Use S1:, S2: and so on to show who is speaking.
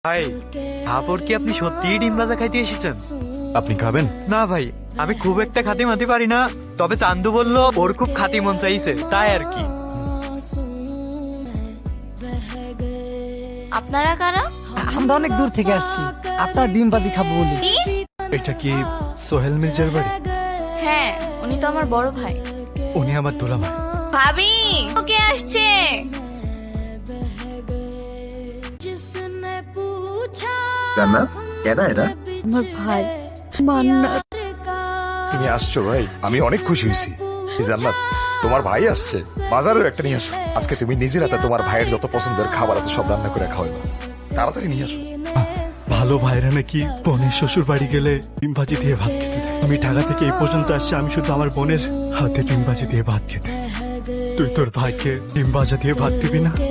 S1: ভাই, তারপর কি আপনি সত্যিই ডিম ভাজা খাইতে এসেছেন?
S2: আপনি খাবেন?
S1: না ভাই, আমি খুব একটা খাতি মাতি পারি না, তবে চান্দু বলল ওর খুব খাতি মন চাইছে, তাই আর কি।
S3: আপনারা কারা?
S4: আমরা অনেক দূর থেকে আসছি, আপনার ডিম ভাজি খাবো বলি।
S3: কি?
S2: এটা কি সোহেল মির্জার বাড়ি?
S3: হ্যাঁ, উনি তো আমার বড় ভাই।
S2: উনি আমার দুলাভাই।
S3: ভাবি, ওকে আসছে।
S5: জান্নাত, এরা এরা
S4: আমার ভাই মান্নাত।
S6: তুমি আসছো ভাই, আমি অনেক খুশি হয়েছি। জান্নাত, তোমার ভাই আসছে, বাজারেও একটা নিয়ে আসো। আজকে তুমি নিজের হাতে তোমার ভাইয়ের যত পছন্দের খাবার আছে সব রান্না করে খাওয়াইবা। তাড়াতাড়ি নিয়ে আসো।
S2: ভালো ভাইরা নাকি বোনের শ্বশুর বাড়ি গেলে ডিম ভাজি দিয়ে ভাত খেতে দেয়। আমি ঢাকা থেকে এই পর্যন্ত আসছি, আমি শুধু আমার বোনের হাতে ডিম ভাজি দিয়ে ভাত খেতে। তুই তোর ভাইকে ডিম ভাজা দিয়ে ভাত দিবি না?